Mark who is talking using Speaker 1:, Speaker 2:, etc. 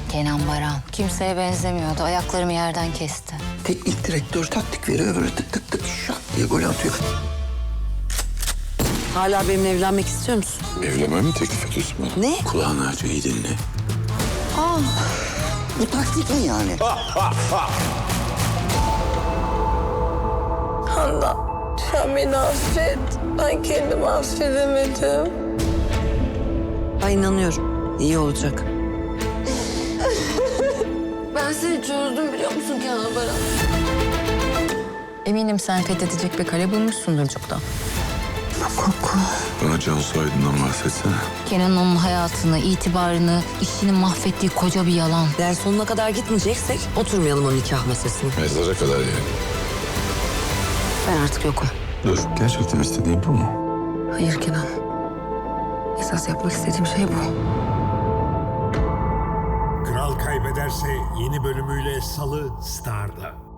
Speaker 1: Kenan Baran. Kimseye benzemiyordu. Ayaklarımı yerden kesti.
Speaker 2: Teknik direktör taktik veriyor, böyle tık tık tık şak diye gol atıyor.
Speaker 3: Hala benimle evlenmek istiyor musun?
Speaker 4: Evlenmemi mi teklif ediyorsun bana?
Speaker 3: Ne?
Speaker 4: Kulağını aç, iyi dinle.
Speaker 2: Bu taktik mi yani?
Speaker 5: Handan, sen beni affet. Ben kendimi affedemedim.
Speaker 3: Ben inanıyorum. İyi olacak.
Speaker 5: Ben seni çözdüm biliyor musun Kenan Baran?
Speaker 1: Eminim sen fethedecek bir kale bulmuşsundur çoktan.
Speaker 4: Bana Cansu Aydın'dan bahsetsene.
Speaker 1: Kenan onun hayatını, itibarını, işini mahvettiği koca bir yalan.
Speaker 3: Eğer sonuna kadar gitmeyeceksek oturmayalım o nikah masasına.
Speaker 4: Mezara kadar yani.
Speaker 3: Ben artık yokum.
Speaker 4: Dur, gerçekten istediğin bu mu?
Speaker 3: Hayır Kenan. Esas yapmak istediğim şey bu.
Speaker 6: Kral Kaybederse yeni bölümüyle Salı Star'da.